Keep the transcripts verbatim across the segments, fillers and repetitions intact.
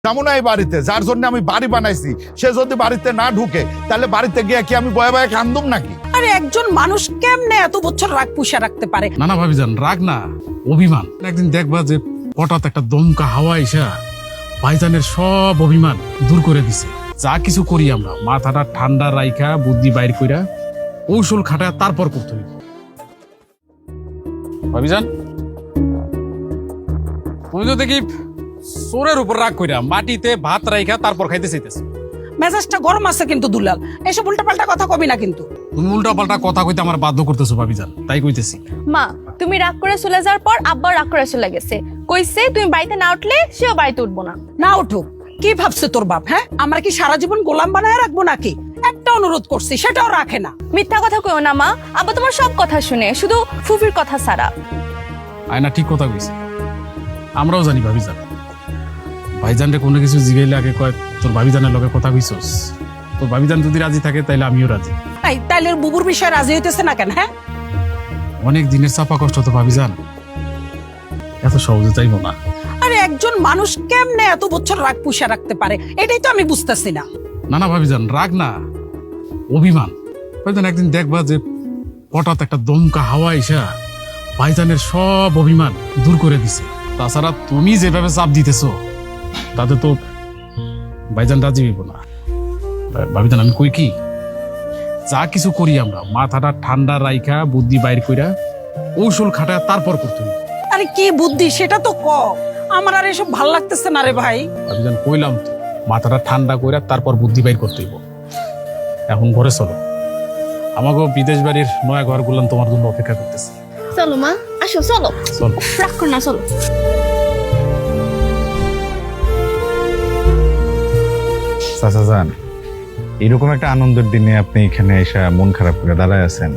তেমন এই বাড়িতে যার জন্য আমি বাড়ি বানাইছি সে যদি বাড়িতে না ঢুকে তাহলে বাড়িতে গিয়ে কি আমি বয়ে বয়ে কান্দুম নাকি? আরে একজন মানুষ কেমনে এত বছর রাগ পুষে রাখতে পারে? না না ভাবিজান, রাগ না, অভিমান। একদিন দেখবা যে হঠাৎ একটা দমকা হাওয়া এসা ভাইজানের সব অভিমান দূর করে দিছে। যা কিছু করি আমরা মাথাটা ঠান্ডা রাইখা বুদ্ধি বাইর কইরা কৌশল খাটায় তারপর করতে হইব। ভাবিজান, তুমি তো দেখি সোরের উপর রাগ কইরা মাটিতে ভাত রাইখা তারপর খাইতে চাইতেছ। মেজাজটা গরম আছে কিন্তু দুলাল, এসব উল্টাপাল্টা কথা কবি না কিন্তু। তুমি উল্টা পাল্টা কথা কইতে আমার বাধ্য করতেছো ভাবিজান, তাই কইতেছি। মা, তুমি রাগ করে চলে যাওয়ার পর আব্বা রাগ করে চলে গেছে, কইছে তুমি বাড়িতে না উঠলে সেও বাড়িতে উঠবো না। না উঠুক, কি ভাবছে তোর বাপ? হ্যাঁ, আমরা কি সারা জীবন গোলাম বানায় রাখবো নাকি? একটা অনুরোধ করছি, সেটাও রাখে না। মিথ্যা কথা কইও না মা, আব্বা তোমার সব কথা শুনে, শুধু ফুফির কথা ছাড়া। আয়না ঠিক কথা কইছে, আমরাও জানি ভাবিজান। ভাইজানরে কোনো কিছু জিগাইলে আগে কয় তোর ভাবিজানের লগে কথা কইছস। তোর ভাবিজান যদি রাজি থাকে তাইলে আমিও রাজি। এই তাইলে বুবুর বিষয়ে রাজি হইতেছে না কেন? হ্যাঁ, অনেক দিনের চাপা কষ্ট তো ভাবিজান, এত সহজে চাইবো না। আরে একজন মানুষ কেমনে এত বছর রাগ পুষে রাখতে পারে, এটাই তো আমি বুঝতেছি না। না না ভাবিজান, রাগ না, অভিমান। ভাইজান একদিন দেখবা যে হঠাৎ একটা দমকা হাওয়া এসা ভাইজানের সব অভিমান দূর করে দিছে। তাছাড়া তুমি যেভাবে চাপ দিতেছো তাতে তো ভাইজান রাজি হইব না। ভাবিজান আমি কই কি, যা কিছু করি আমরা মাথাটা ঠান্ডা রাইখা বুদ্ধি বাইর কইরা কৌশল খাটায় তারপর করতে হইব। আরে কি বুদ্ধি সেটা তো ক, আমার আর এসব ভাল লাগতেছে না রে ভাই। ভাবিজান কইলাম তো, মাথাটা ঠান্ডা কইরা তারপর বুদ্ধি বাইর করতে হইব। এখন ঘরে চলো, আমাকে বিদেশ বাড়ির নয়া ঘর গুলান তোমার জন্য অপেক্ষা করতেছে। চলো মা, আসো, চলো চলো, রাগ করো না, চলো। চাচা যান, এরকম একটা আনন্দের দিনে আপনি এখানে এসে মন খারাপ করে দাঁড়ায় আছেন।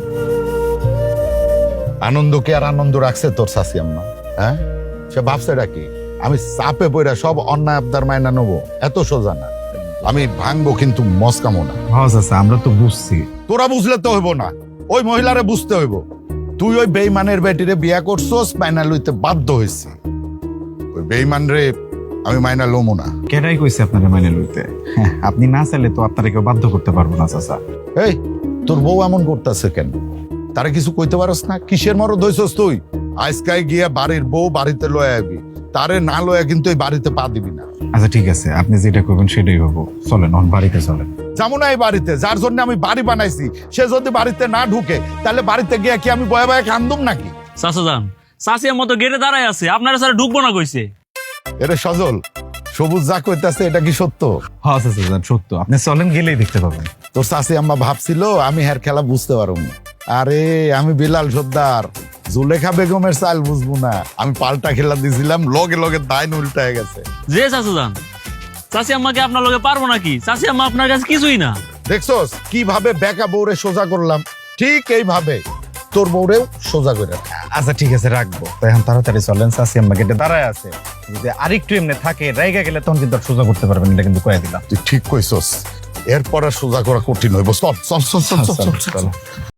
আনন্দ কে আর আনন্দ রাখছে তোর শাশি আম্মা? হ্যাঁ, সে ভাবছে কি আমি চাপে পড়া সব অন্যায় আবদার মাইনা নেবো? এত সোজা না, আমি ভাঙবো কিন্তু মস্কামো না। হ্যাঁ চাচা, আমরা তো বুঝছি। তোরা বুঝলে তো হইব না, ওই মহিলারে বুঝতে হইব। তুই ওই বেইমানের বেটিরে বিয়া করছস, মাইনা লইতে বাধ্য হয়েছি। ওই বেইমান রে আমি মাইনা লমো না। কেটাই কইছে আপনারা মাইনে লইতে? হ্যাঁ, আপনি না চাইলে তো আপনারা কেউ বাধ্য করতে পারবো না চাচা। এই তোর বউ এমন করতেছে কেন? তারা কিছু কইতে পারস না? কিসের মরদ হইছস তুই? আজকাই গিয়া বাড়ির বউ বাড়িতে লয়ে আবি, তারে না লয়ে কিন্তু এই বাড়িতে পা দিবি না। আচ্ছা ঠিক আছে, আপনি যেটা করবেন সেটাই হবো। চলেন এখন বাড়িতে চলেন। যেমন এই বাড়িতে যার জন্য আমি বাড়ি বানাইছি সে যদি বাড়িতে না ঢুকে তাহলে বাড়িতে গিয়া কি আমি বয়ে বয়ে কান্দুম নাকি? চাচা যান, চাচিয়ার মতো গেটে দাঁড়ায় আছে, আপনারা স্যার ঢুকবো না কইছে। এরে সজল, সবুজ যা কইতাছে এটা কি সত্য? হ্যাঁ চাচা যান, সত্য। আপনি চলেন, গেলেই দেখতে পাবেন। তোর চাচি আম্মা ভাবছিল আমি হের খেলা বুঝতে পারব না। আরে আমি বিলাল সর্দার, জুলেখা বেগমের চাল বুঝবো না? আমি পাল্টা খেলা দিছিলাম, লগে লগে দাইন উল্টায় গেছে। যে চাচা যান, চাচি আম্মাকে আপনার লগে পারবো নাকি? চাচি আম্মা আপনার কাছে কিছুই না। দেখছস কিভাবে বেকা বউরে সোজা করলাম? ঠিক এইভাবে তোর বউরেও সোজা করে রাখ। আচ্ছা ঠিক আছে, রাখবো। তো এখন তাড়াতাড়ি চলেন, চাচি আম্মা গেটে দাঁড়ায় আছে। যদি আরেকটু এমনি থাকে রাইগা গেলে তখন কিন্তু আর সোজা করতে পারবেন, এটা কিন্তু কয়ে দিলাম। তুই ঠিক কইছস, এরপর আর সোজা করা কঠিন হইব। চল চল চল চল চল চল।